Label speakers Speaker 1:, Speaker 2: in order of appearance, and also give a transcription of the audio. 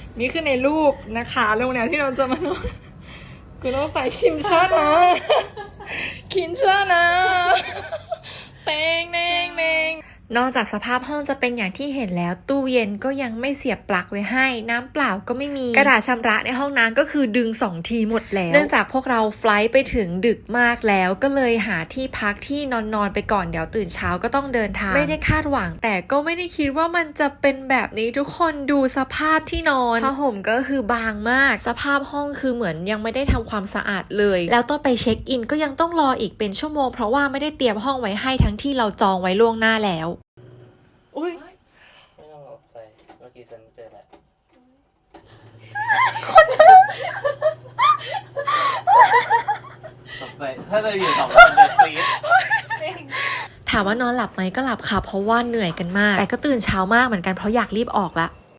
Speaker 1: นี่คือในรูปนะคะโรงแรมที่เราจะมานอนกูต้องใส่คินช่านะคินช่านะเตงเนงเนงนอกจากสภาพห้องจะเป็นอย่างที่เห็นแล้วตู้เย็นก็ยังไม่เสียบปลั๊กไว้ให้น้ำเปล่าก็ไม่มีกระดาษชำระในห้องน้ำก็คือดึง2ทีหมดแล้วเนื่องจากพวกเราไฟลท์ไปถึงดึกมากแล้วก็เลยหาที่พักที่นอนไปก่อนเดี๋ยวตื่นเช้าก็ต้องเดินทางไม่ได้คาดหวังแต่ก็ไม่ได้คิดว่ามันจะเป็นแบบนี้ทุกคนดูสภาพที่นอนผ้าห่มก็คือบางมากสภาพห้องคือเหมือนยังไม่ได้ทำความสะอาดเลยแล้วต้องไปเช็คอินก็ยังต้องรออีกเป็นชั่วโมงเพราะว่าไม่ได้เตรียมห้องไว้ให้ทั้งที่เราจองไว้ล่วงหน้าแล้วอุ้ย
Speaker 2: ไม่ต้องตกใจเมื่อกี้ฉันเจอแหละตกใจถ้าเธออยู่2 คนจะกรี๊ด
Speaker 1: ถามว่านอนหลับไหมก็หลับค่ะเพราะว่าเหนื่อยกันมากแต่ก็ตื่นเช้ามากเหมือนกันเพราะอยากรีบออกละ